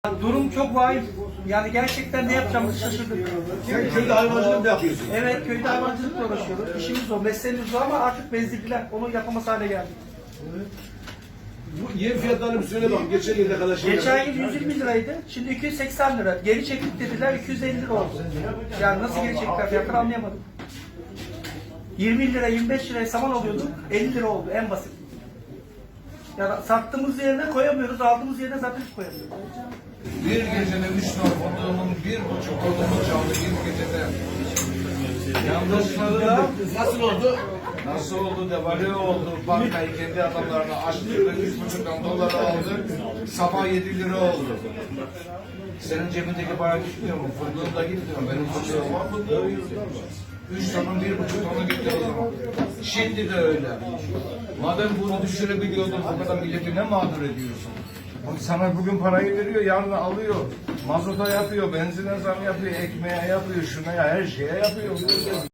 Durum çok vahim. Yani gerçekten ne yapacağımızı şaşırdık. Sen köyde hayvancılık da yapıyorsun. Evet, köyde hayvancılıkla uğraşıyoruz. İşimiz o, mesleğimiz o ama artık bezdirdiler. Onu yapamaz hale geldik. Bu yem fiyatlarını bir söyle bak. Geçen yıl ne kadar şey Geçen yıl 120 liraydı. Şimdi 280 lira. Geri çektik dediler, 250 lira oldu. Yani nasıl geri çektiler fiyatları anlayamadım. 20 lira, 25 liraya saman alıyorduk. 50 lira oldu en basit. Yani sattığımız yerine koyamıyoruz, aldığımız yerine zaten hiç koyamıyoruz. Bir gecede 3 ton odunun 1,5 odunu çaldı bir gecede. Yanlışlıkla nasıl oldu? nasıl oldu devalüe oldu. Bankayı kendi adamlarına açtırdı. 3,5 dolar aldı. Sabah 7 lira oldu. Senin cebindeki para gitmiyor mu? Fındığın da gitmiyor. Benim fındığım var, fındığım gidiyor. 3 tonun 1,5 tonu gitti o zaman. Şimdi de öyle. Madem bunu düşürebiliyordun, o kadar milleti ne mağdur ediyorsun? Sana bugün parayı veriyor, yarın alıyor. Mazota yapıyor, benzine zam yapıyor, ekmeğe yapıyor, şuna ya her şeye yapıyor.